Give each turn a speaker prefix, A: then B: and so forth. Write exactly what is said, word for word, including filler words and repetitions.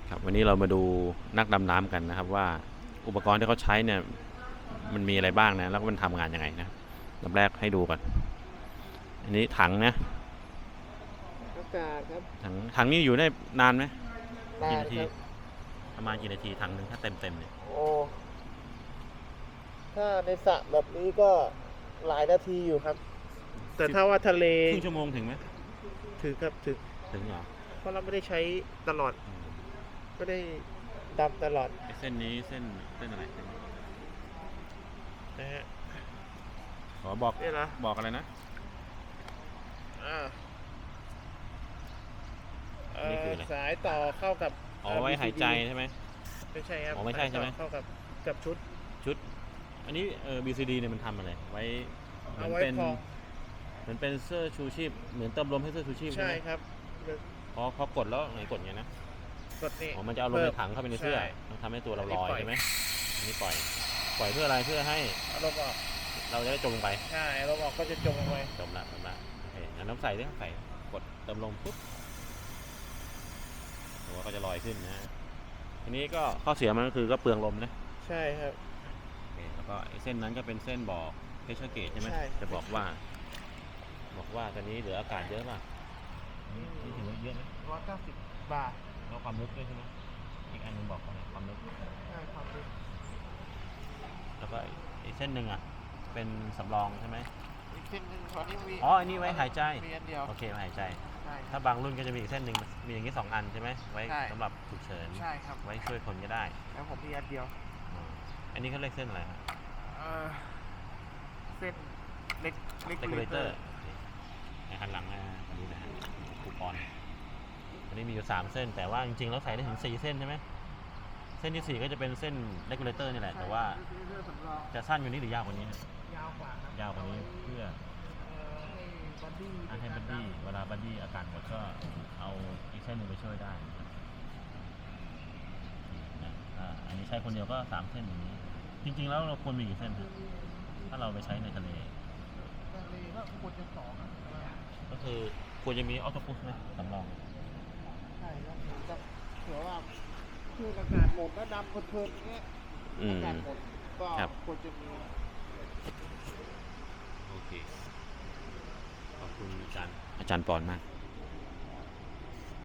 A: ครับวันนี้เรามาดูนักดำน้ำกันนะครับว่าอุปกรณ์ที่เขาใช้เนี่ยมันมีอะไรบ้างนะแล้วก็มันทำงานยังไงนะลำแรกให้ดูก่อนอันนี้ถังนะ
B: อากาศครับ
A: ถังถังนี้อยู่ได้นานไหมกี่นาที
B: นานครับ
A: ประมาณกี่นาทีถังหนึ่งถ้าเต็มเต็มเนี่ย
B: โอ้ถ้าในสระแบบนี้ก็หลายนาทีอยู่ครับ แต่ถ้าว่าทะเล
A: ครึ่งชั่วโมงถึงไหม
B: ถึงครับถึง
A: ถึงเหรอ
B: เพราะเราไม่ได้ใช้ตลอดไม่ได้ดำตลอด
A: เส้นนี้เส้นเส้นอะไรเส้นนี้
B: นะฮะ
A: ขอบอก
B: นี่นะ
A: บอกอะไรนะ
B: อ่า
A: นี่คืออะไร
B: สายต่อเข้ากับ
A: อ๋อไว้หายใจใช่ไหม
B: ไม่ใช่ครับ
A: อ๋อไม่ใช่ใช่ไหม
B: เข้ากับกับชุด
A: ชุดอันนี้เออ บี ซี ดี เนี่ยมันทำอะไรไว้เหมือน
B: เอาไว้
A: เป็น
B: พอง
A: เหมือนเป็นเสื้อชูชีพเหมือนเติมลมให้เสื้อชูชีพใช่
B: ใช่
A: ไหม
B: ครับ
A: พอพอกดแล้วไหนกดไงนะ
B: กดนี่
A: อ๋อมันจะเอาลมในถังเข้าไปในเสื้อมันทำให้ตัวเราลอยใช่ไหมอันนี้ปล่อยปล่อยเพื่ออะไรเพื่อให้
B: เอาลมออก
A: เราจะได้จมลงไป
B: ใช่เอาลมออกก็จะจมลงไป
A: จมละจมละโอเคงั้นน้ำใส่ดิใส่กดเติมลมปุ๊บหัวก็จะลอยขึ้นนะทีนี้ก็ข้อเสียมันก็คือก็เปลืองลมนะ
B: ใช่ครับ
A: โอเคแล้วก็เส้นนั้นก็เป็นเส้นบอกเพชเชอร์เกจใช่ไหมจะบอกว่าบอกว่าตอนนี้เหลืออากาศเยอะป่ะนี่ถือว่าเยอะไหม
B: ร้อยเก้าสิบบาท
A: แล้วความลึกด้วยใช่ไหมอีกอันนึงบอกว่าความลึก
B: ใช่ความลึก
A: แล้วก็อีกเส้นหนึ่งอ่ะเป็นสำรองใช่ไหม
B: อีกเส้นหนึ่งตอนนี้มี
A: อ๋ออันนี้ไว้หายใจ
B: มีอันเดียว
A: โอเคไว้หายใจ
B: ใช่
A: ถ้าบางรุ่นก็จะมีอีกเส้นหนึ่งมีอย่างนี้สองอันใช่ไหมไว้สำหรับฉุกเฉิน
B: ใช่ครับ
A: ไว้ช่วยคนก็ได้
B: แล้วผมมีอันเดียว
A: อันนี้เขาเรียกเส้นอะไรครับ
B: เส้นเล็ก
A: เล็กเลเตอร์ในหันหลังนะอันนี้นะคูปองอันนี้มีอยู่สามเส้นแต่ว่าจริงๆแล้วใส่ได้ถึงสี่เส้นใช่ไหมเส้นที่สี่ก็จะเป็นเส้นเลกูเลเตอร์นี่แหละแต่ว่าจะสั้นกว่านี้หรือยาวกว่านี้
B: ยาวกว่าย
A: าวกว่านี้เพื่อให้บัดดี้เวลาบัดดี้อาการหมดก็เอาอีกเส้นหนึ่งไปช่วยได้อันนี้ใช้คนเดียวก็สามเส้นอย่างนี้จริงๆแล้วเราควรมีกี่เส้นครับถ้าเราไปใช้ในทะเล
B: ทะเลก็ควรจะสอง
A: ก็คือควรจะมีออโต้พุชไหมสำรอง
B: ใช่ครับจะเผื่อว่าคืออากาศหมดแล้วดำเพลินๆเงี้ยอากาศหมดก็ควรจะมี
A: โอเคขอบคุณอาจารย์อาจารย์ปอนมาก